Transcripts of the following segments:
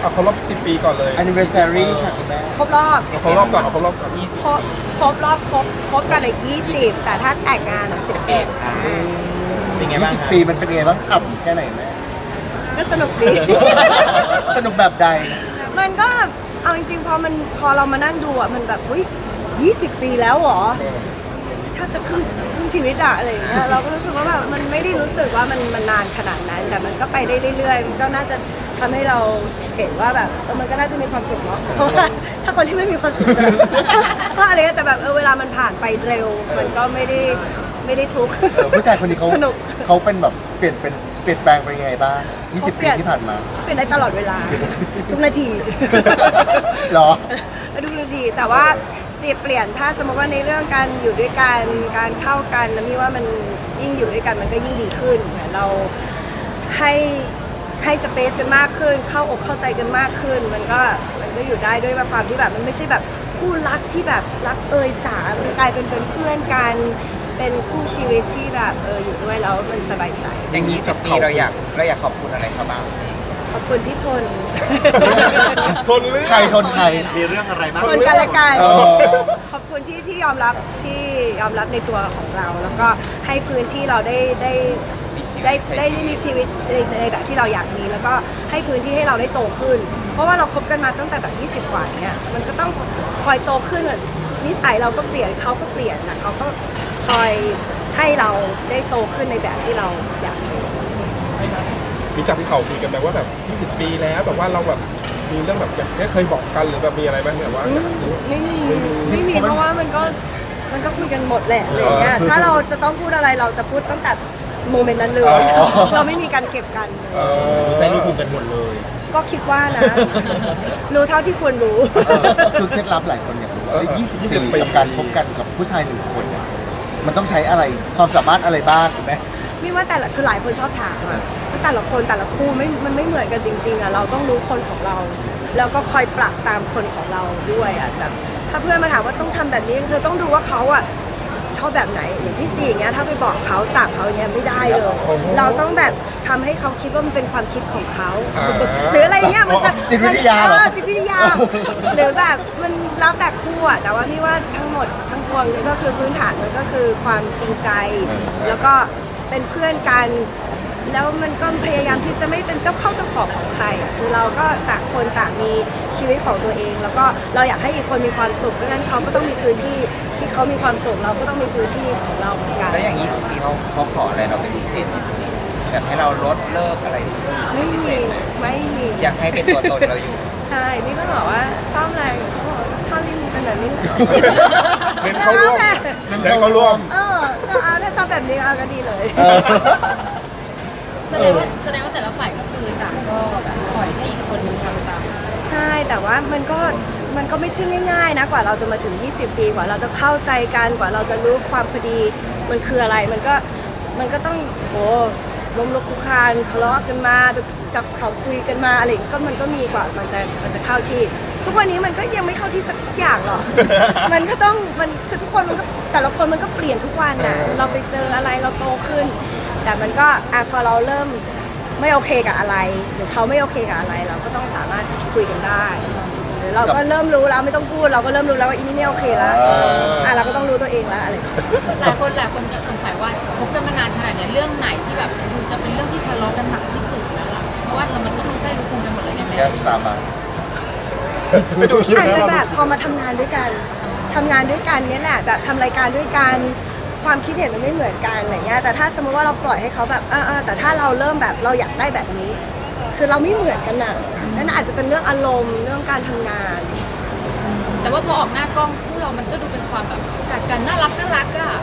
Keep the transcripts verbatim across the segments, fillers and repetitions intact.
เอาครบรอบสิบปีก่อนเลย anniversary ค่ะคุณแม่ครบรอบเอาครบรอบก่อนเอาครบรอบก่อนยี่สิบครบครบรอบครบครบกันเลยยี่สิบแต่ถ้าแต่งงานสิบเอ็ดเป็นไงบ้างยี่สิบคะปีมันเป็นไงบ้างฉ่ำแค่ไหนแม่ก็สนุกดีสนุกแบบใดมันก็เอาจริงๆพอมันพอเรามานั่งดูอ่ะมันแบบอุ้ยยี่สิบปีแล้วเหรอถ้าจะครึ่งครึ่งชีวิตอะอะไรอย่างเงี้ยเราก็รู้สึกว่าแบบมันไม่ได้รู้สึกว่ามันมันนานขนาดนั้น แต่มันก็ไปได้เรื่อยๆมันก็น่าจะทำให้เราเห็นว่าแบบเออมันก็น่าจะมีความสุขเนาะเพราะว่าถ้าคนที่ไม่มีความสุขจะเพราะอะไรก็แต่แบบเออเวลามันผ่านไปเร็ว มันก็ไม่ได้ไม่ได้ทุกข์เออผู้ชายคนนี้เขาสนุกเขาเป็นแบบเปลี่ยนเป็นเปลี่ยนแปลงไปยังไงบ้างยี่สิบเขาเปปีลี่ยนที่ผ่านมาเป็นได้ตลอดเวลา ทุกนาทีเหรอทุกนาทีแต่ว่าเปลี่ยนเปลี่ยนถ้าสมมติว่าในเรื่องการอยู่ด้วยกันการเข้ากันแล้วมีว่ามันยิ่งอยู่ด้วยกันมันก็ยิ่งดีขึ้นเหมือนเราให้ให้สเปซกันมากขึ้น เข้าอกเข้าใจกันมากขึ้น มันก็มันก็อยู่ได้ด้วยความที่แบบมันไม่ใช่แบบคู่รักที่แบบรักเอยจ๋ามันกลายเป็นเป็นเพื่อนกันเป็นคู่ชีวิตที่แบบเอออยู่ด้วยแล้วมันสบายใจอย่างนี้สิบปีเราอยากเราอยากขอบคุณอะไรเขาบ้างพี่ขอบคุณที่ทนทนเรื่องใครทนใครมีเรื่องอะไรบ้างทนกันและกันอ๋อขอบคุณที่ที่ยอมรับที่ยอมรับในตัวของเรา แล้วก็ให้พื้นที่เราได้ได้ได้ได้มีชีวิตในในแบบที่เราอยากมีแล้วก็ให้พื้นที่ให้เราได้โตขึ้น เพราะว่าเราคบกันมาตั้งแต่แบบยี่สิบกว่าเนี่ยมันก็ต้องคอยโตขึ้นอะนิสัยเราก็เปลี่ยนเขาก็เปลี่ยนนะเขาก็คอยให้เราได้โตขึ้นในแบบที่เราอยากเป็นมีจากที่เขาคุยกันแบบว่าแบบยี่สิบปีแล้วแบบว่าเราแบบมีเรื่องแบบอย่างนี้เคยบอกกันหรือแบบมีอะไรไหมแบบว่าไม่มีไม่มีเพราะว่ามันก็มันก็คุยกันหมดแหละอะไรอย่างเงี้ยถ้าเราจะต้องพูดอะไรเราจะพูดตั้งแต่โมเมนต์นั้นเลย เราไม่มีการเก็บกันเออใจรู้คุกันหมดเลยก็คิดว่านะ รู้เท่าที่ควรรู้คือเคล็ดลับหลายคนอยากรู้ว่ายี่สิบปีกับการคบกันกับผู้ชายหนึ่งคนเนี่ยมันต้องใช้อะไรความสามารถอะไรบ้างถูกไหมไม่ว่าแต่ละคือหลายคนชอบถามอะว่าแต่ละคนแต่ละคู่ไม่มันไม่เหมือนกันจริงๆอะเราต้องรู้คนของเรา แล้วก็คอยปรับตามคนของเราด้วยอะแบบถ้าเพื่อนมาถามว่าต้องทำแบบนี้เธอต้องดูว่าเขาอะชอบแบบไหนอย่างที่สี่อย่างเงี้ยถ้าไปบอกเขาสั่งเขาอย่างเงี้ยไม่ได้เลย เราต้องแบบทำให้เขาคิดว่ามันเป็นความคิดของเขา หรืออะไรเงี้ยมันจะจิตวิทยาเหรอเออจิตวิทยา หรือแบบมันแล้วแต่คู่อะแต่ว่าพี่ว่าทั้งหมดทั้งปวงก็คือพื้นฐานมันก็คือความจริงใจ แล้วก็เป็นเพื่อนกัน แล้วมันก็พยายามที่จะไม่เป็นเจ้าเข้าเจ้าของของใครอะคือเราก็ต่างคนต่างมีชีวิตของตัวเอง แล้วก็เราอยากให้อีกคนมีความสุขเพราะฉะนั้นเขาก็ต้องมีพื้นที่ที่เขามีความสุขเราก็ต้องมีพื้นที่ของเราเหมือนกันแล้วอย่างนี้สิบปีเขาเขาขออะไรเราเป็นพิเศษไหมพี่แบบให้เราลดเลิกอะไรไม่พิเศมีษไหมไม่มีอยากให้เป็นตัวตนเราอยู่ใช่นี่ก็บอกว่าชอบอะไรเขาบอกว่าชอบที่มึงเป็นแบบนี้แหละเน้นเข้าร่วมเน้นเข้าร่วมเออชอบเอาถ้าชอบแบบนี้เอาก็ดีเลยเออแสดงว่าแสดงว่าแต่ละฝ่ายก็คือต่างก็แบบปล่อยให้อีกคนหนึ่งทำตามใช่แต่ว่ามันก็มันก็ไม่ใช่ง่ายๆนะกว่าเราจะมาถึงยี่สิบปีกว่าเราจะเข้าใจกันกว่าเราจะรู้ความพอดีมันคืออะไรมันก็มันก็ต้องโอ้ล้มลุกคลุกคลานทะเลาะกันมาจับเขาคุยกันมาอะไรอย่างเงี้ยก็มันก็มีกว่ามันจะมันจะเข้าที่ ทุกวันนี้มันก็ยังไม่เข้าที่สักอย่างหรอก มันก็ต้องมันคือทุกคนมันก็แต่ละคนมันก็เปลี่ยนทุกวันน่ะเราไปเจออะไรเราโตขึ้น แต่มันก็อ่ะพอเราเริ่มไม่โอเคกับอะไร หรือเขาไม่โอเคกับอะไร เราก็ต้องสามารถคุยกันได้หรือเราก็เริ่มรู้แล้วไม่ต้องพูดเราก็เริ่มรู้แล้วว่าอีนี่ไม่โอเคแล้วอ่ะเราก็ต้องรู้ตัวเองแล้วอะไรหลายคนหลายคนจะสงสัยว่าคบกันมานานขนาดเนี้ยเรื่องไหนที่แบบดูจะเป็นเรื่องที่ทะเลาะกันหนักที่สุดแล้วล่ะเพราะว่าเรามันต้องรู้ไส้รู้พุงกันหมดเลยไงแม่แก๊สตามมาอาจจะแบบพอมาทำงานด้วยกันทำงานด้วยกันเนี่ยแหละแบบทำรายการด้วยกันความคิดเห็นมันไม่เหมือนกันอะไรเงี้ยแต่ถ้าสมมติว่าเราปล่อยให้เขาแบบเออแต่ถ้าเราเริ่มแบบเราอยากได้แบบนี้ คือเราไม่เหมือนกันน่ะนั่นอาจจะเป็นเรื่องอารมณ์เรื่องการทำงานแต่ว่าพอออกหน้ากล้องคู่เรามันก็ดูเป็นความแบบกัดกันน่ารักน่ารักอะ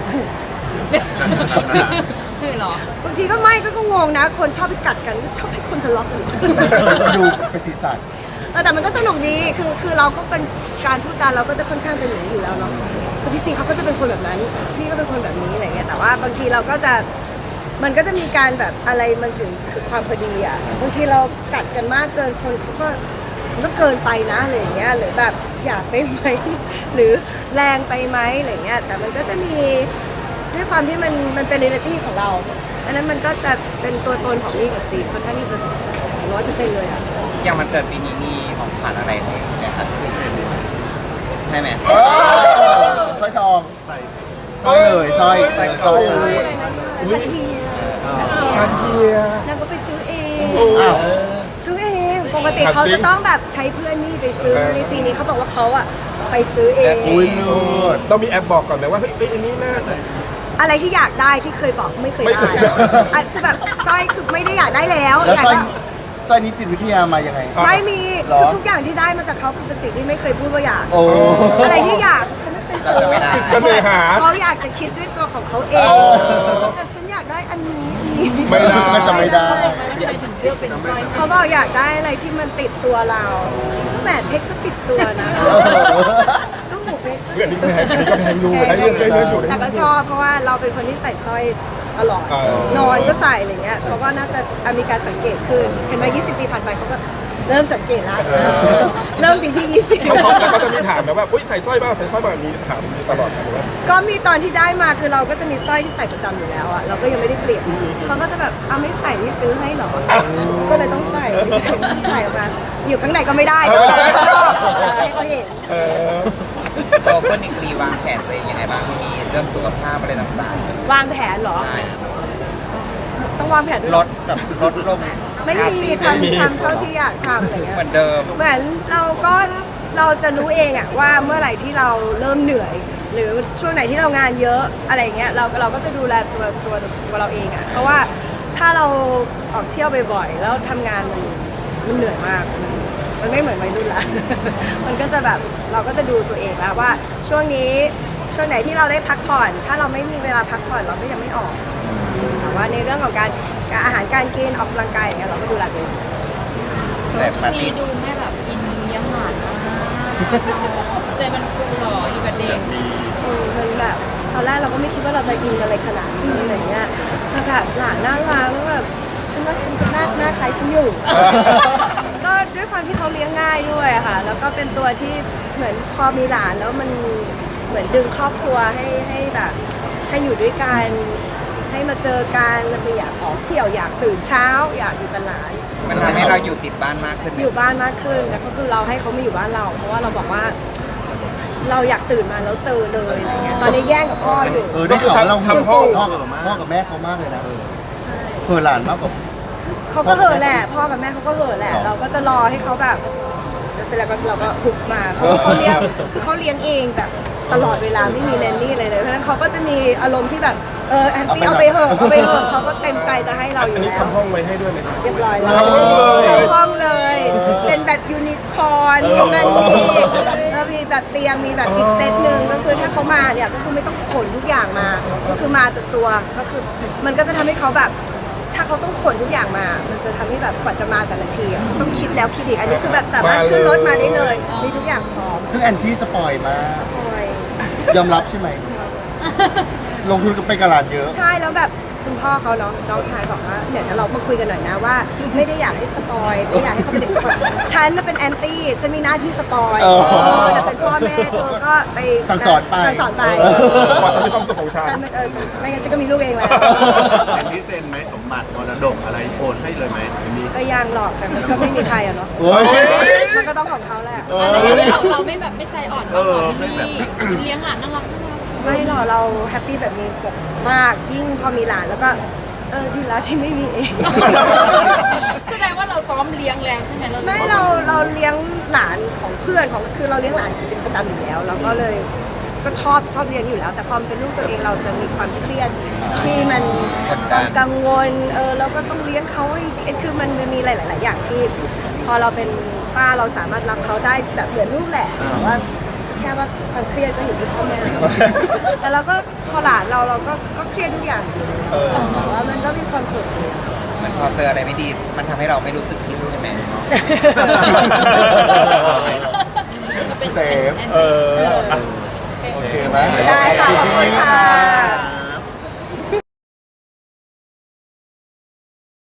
คือเหรอบางทีก็ไม่ก็ก็งงนะ คนชอบไปกัดกันชอบให้คนทะเลาะกันดูเป็นสีสันเออแต่มันก็สนุกดีคือคือเราก็เป็นการพูดจาเราก็จะค่อนข้างเป็นอย่างนี้อยู่แล้วเนาะคือพี่ซีเขาก็จะเป็นคนแบบนั้นนี่ก็เป็นคนแบบนี้อะไรเงี้ยแต่ว่าบางทีเราก็จะมันก็จะมีการแบบอะไรมันถึงคือความพอดีอ่ะบางทีเรากัดกันมากเกินคนเขาก็มันก็เกินไปนะอะไรอย่างเงี้ยหรือแบบอยากไปไหม หรือแรงไปไหมอะไรเงี้ยแต่มันก็จะมีด้วยความที่มันมันเป็นเรียลิตี้ของเราอันนั้นมันก็จะเป็นตัวตนของนี่กับซีค่อนข้างที่จะร้อยเปอร์เซ็นต์เลยอ่ะอย่างมันเกิดปีนี้มีของขวัญอะไรให้แกครับใช่ไหมสร้อยทองสร้อยเลยสร้อยสร้อยคสอร้อยเลเลย ยนาทีคาเทียนางก็ไปซื้อเองอ้าวซื้อเองปกติเขาจะต้องแบบใช้เพื่อนนี่ไปซื้อในปีนี้เขาบอกว่าเขาอะไปซื้อเองอุ้ยเลิศต้องมีแอปบอกก่อนไหมว่าเฮ้ยเอ้ยอันนี้น่าอะไรที่อยากได้ที่เคยบอกไม่เคยไม่เคได้ยอันคือแบบสร้อยคือไม่ได้อยากได้แล้วแล้วอยากสร้อยได้สร้อยนี้จิตวิทยามายังไงไม่มีหรอคือทุกอย่างที่ได้มาจากเขาคือเป็นสิ่งที่ไม่เคยพูดว่าอยากโอ้อะไรที่อยากเขาไม่เคยเราจะไม่ได้เสน่หาเขาอยากจะคิดด้วยตัวของเขาเองเออแต่ฉันอยากได้อันนี้อีกไม่ได้ก็จะไม่ได้เขาบอกอยากได้อะไรที่มันติดตัวเราแหวนเพชรก็ติดตัวนะต้องหูเพชรเรื่องนี้ก็แพงอันนี้ก็แพงอยู่ได้เรื่องได้เรื่องอยู่ได้แต่เรื่ก็องชอบเพราะว่าเราเป็นคนที่ใส่สร้อยตลอดเออนอนก็ใส่อะไรเงี้ยเขาก็น่าจะมีการสังเกตขึ้นเห็นไหมยี่สิบปีผ่านไปเขาก็เริ่มสังเกตแล้วเริ่มปีที่ยี่สิบเขาเขาเขาจะมีถามแบบว่าอุ้ยใส่สร้อยบ้างใส่สร้อยบ้างมีถามมีตลอดนะว่าก็มีตอนที่ได้มาคือเราก็จะมีสร้อยที่ใส่ประจำอยู่แล้วอ่ะเราก็ยังไม่ได้เปลี่ยนเขาก็จะแบบเอาไม่ใส่ที่ซื้อให้หรอก็เลยต้องใส่ใส่ออกมาอยู่ข้างในก็ไม่ได้ต้องใส่ข้างนอกให้เขาเห็นเออตัวเพื่อนอีกปีวางแผนตัวเองยังไงบ้างมีเรื่องสุขภาพอะไรต่างวางแผนเหรอๆใช่ต้องวางแผนด้วยลเหรอดแบบลดลงไม่มีทำทำเท่าที่อยากทำอะไรเงี้ยเหมือนเดิมเหมือนเราก็เราจะรู้เองอะว่าเมื่อไหร่ที่เราเริ่มเหนื่อย หรือช่วงไหนที่เรางานเยอะอะไรเงี้ยเราเราก็จะดูแลตัวตัวตัวเราเองอะเพราะว่าถ้าเราออกเที่ยวบ่อยๆแล้วทำงานมันมันเหนื่อยมาก มันไม่เหมือนวัยรุ่นละ มันก็จะแบบเราก็จะดูตัวเองแล้วว่าช่วงนี้ช่วงไหนที่เราได้พักผ่อน ถ้าเราไม่มีเวลาพักผ่อนเราก็ยังไม่ออกแต่ว่าในเรื่องของการการอาหารการกินออกกำลังกายอย่างเงี้ยเราก็ดูแลตัวเองแต่ปาร์มีตี้ดูแม่แบบอินเลี้ยงหลานมากใจมันฟูหรออยู่กับเด็กเออมันแบบตอนแรกเราก็ไม่คิดว่าเราจะอินอะไรขนาดนี้อะไรเงี้ยแต่แบบหลานน่ารักแล้วแบบฉันว่าฉันก็หน้าหน้าคล้ายฉันอยู่ ก็ด้วยความที่เขาเลี้ยงง่ายด้วยอะค่ะ แล้วก็เป็นตัวที่เหมือนพอมีหลานแล้วมันเหมือนดึงครอบครัวให้ให้แบบให้อยู่ด้วยกันให้มาเจอกันแล้วก็อยากออกเที่ยวอยากตื่นเช้า อยากอยู่กับหลานมันทำให้เราอยู่ติดบ้านมากขึ้นไหมอยู่บ้านมากขึ้นแล้วก็คือเราให้เขามาอยู่บ้านเรา เพราะว่าเราบอกว่า เราอยากตื่นมาแล้วเจอเลยอะไรเงี้ยตอนนี้แย่งกับพ่ออยู่เออได้ข่าวว่าเราทำห้องพ่อกับพ่อกับแม่เขามากเลยนะใช่เพื่อหลานมากกว่าเขาก็เห่อะแหละพ่อกับแม่เขาก็เห่อะแหละหรอเราก็จะรอให้เขาแบบเดี๋ยวเสร็จแล้วก็เราก็หุบมาเพราะว่าเขาเลี้ยงคือเขาเลี้ยงเองแบบตลอดเวลาไม่มีแนนนี่เลยเลยเพราะฉะนั้นเขาก็จะมีอารมณ์ที่แบบเออแอนตี้เอาไปเหอะเอาไปเหอะเขาก็เต็มใจจะให้เราออัยู่นนี้แล้วทำห้องไว้ให้ด้วยไหมครับเรียบร้อยแล้วทำห้องเลยทำห้องเลย เป็นแบบยูนิคอร์นนั่นนี่แล้วมีแบบเตียงมีแบบอีกเซตหนึ่งก็คือถ้าเขามาเนี่ยก็คือไม่ต้องขนทุกอย่างมา ก็คือมาแต่ตัวก็คือมันก็จะทำให้เขาแบบ ถ้าเขาต้องขนทุกอย่างมา มันจะทำให้แบบกว่าจะมาแต่ละทีอะต้องคิดแล้วคิดอีก อันนี้คือแบบสามารถขึ้นรถมาได้เลย มีทุกอย่างพร้อมซึ่งแอนที่สปอยมากโอ้ยยอมรับใช่ไหม ลงทุนกับไปกับหลานเยอะใช่แล้วแบบคุณพ่อเขาเนาะน้องชายบอกว่าเดี๋ยวเรามาคุยกันหน่อยนะว่า ไม่ได้อยากให้สปอยไม่อยากให้เขาเป็นเด็กสปอยฉันน่ะเป็นแอนตี้ฉันมีหน้าที่สปอยเออเออแต่เป็นพ่อแม่เธอก็ไปสั่งสอนไปสั่งสอนไปเออพอฉันมีความสุขของฉันฉันเป็นเออฉันไม่งั้นฉันก็มีลูกเองแล้วแอนที่เซ็นไหมสมบัติมรดกอะไรโอนให้เลยไหมอันนี้ก็ยังหรอกแต่มันก็ไม่มีใครอะเนาะโอ้ยมันก็ต้องของเขาแหละเออะไรออย่างนี้เราเราไม่แบบไม่ใจอ่อนเออไม่ไม่มีแบบเลี้ยงหลานน่ารักไม่หรอกเราแฮปปี้แบบนี้แบบมากยิ่งพอมีหลานแล้วก็เออดีแล้วที่ไม่มีเองแสดงว่าเราซ้อมเลี้ยงแล้วใช่ไหมเราไม่เราเราเลี้ยงหลานของเพื่อนของคือเราเลี้ยงหลานเป็นประจำอยู่แล้วเราก็เลยก็ชอบชอบเลี้ยงอยู่แล้ว แต่พอมันเป็นลูกตัวเองเราจะมีความเครียดที่มันความกังวลเออเราก็ต้องเลี้ยงเขาให้ดีคือมันมีหลาย ๆ อย่างที่ พอเราเป็นป้าเราสามารถรับเขาได้แบบเหมือนลูกแหละแต่ว่าแค่ว่าความเครียดก็อยู่ที่พ่อแม่แต่เราก็พอหลานเราเราก็ก็เครียดทุกอย่างอยู่แต่ว่ามันก็มีความสุขดีเหมันพอเจออะไรไม่ดี มันทำให้เราไม่รู้สึกผิดใช่ไหมก็เป็นเซฟแอนเอตี้อโอเคไหมได้ค่ะขอบคุณค่ะ